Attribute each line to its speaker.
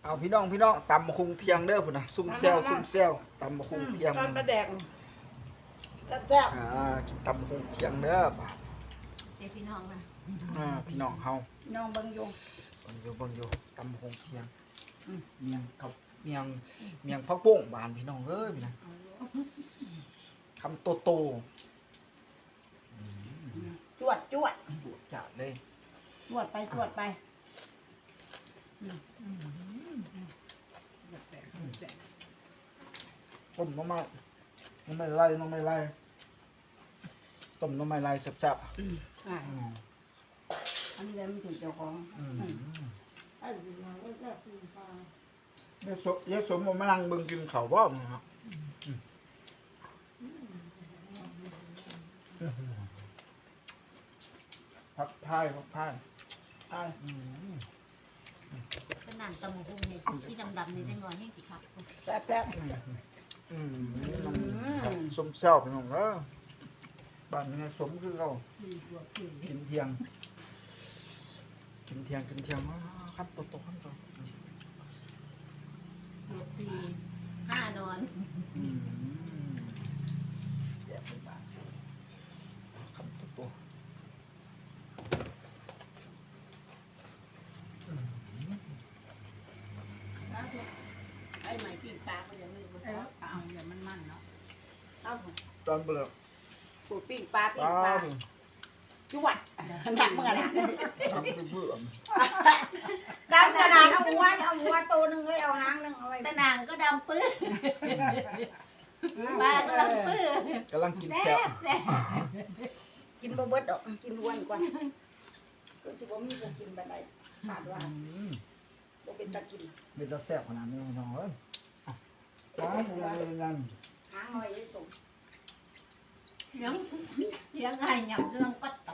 Speaker 1: เอาพี่น้องตำมะคุงเทียงเด้อพุ่นนะซุ่มแซวตำมะคุงเทียง
Speaker 2: ตอนมาแดงแซ่บ
Speaker 1: กินตำมะคุงเทียงเด้อบาด
Speaker 3: เจ้พี่น้องนะ
Speaker 1: พี่น้องเฮา
Speaker 2: ๆน้องเบิ่งอยู่
Speaker 1: เบิ่งอยู่ตำมะคุงเทียงเมียงกับเมียงผักโป่งบานพี่น้องเอ้ยพี่นะคำโต
Speaker 2: จวด
Speaker 1: ดุจัดเลย
Speaker 2: จวดไป
Speaker 1: ต้มน้ำไม่ไล่ต้มน้ำไม่ไล่แซ่บ
Speaker 2: อ่าอันนี้มันถึงเจ้าของ
Speaker 1: เยสมมานั่งเบิ่งกินข้าวบ่มึงครับพักพาย
Speaker 3: ขนาดตะหมูกุ้งเนี่ยสีดำๆนี่ได้งอยแห้งสีขาว
Speaker 2: แซ่บ
Speaker 1: สมแซ่บพี่น้องเด้อบ้านนี้สมคือเรากินเที่ยงครับโตครับโต
Speaker 3: บวก4 5 นอน
Speaker 1: แซ่บเป็นบ้านครับโต
Speaker 2: ไอ้ไหมปิ้งปลาก็ยังไม่รู้เอาอย่ามันเนาะเอา
Speaker 1: ตอนเบื่อ
Speaker 2: ปูปิ้งปลาจวดหนักเมื่อไหร่
Speaker 1: ตอนเบื่อ
Speaker 2: ดำกระดาษเอาหัวตัวนึงเอาหางนึงเอาไว้
Speaker 3: ตะนางก็ดำปื้อปลาก็ดำปื้อก
Speaker 1: ำลังกิน
Speaker 3: แซ่
Speaker 1: แซ่บบ
Speaker 2: กินบ่เบิดดอกกินล้วนก่อนก็สิบ่มีผู้กินบัดใดขาดว่าบ่เป็นตะกิน
Speaker 1: เป็นตาแซ่บขนาดนี้พี่น้องเอ้ยร้านเป็นยัง
Speaker 2: หางหน่อยได้ส่ง
Speaker 3: เสียงไงหยับเรื่องกัด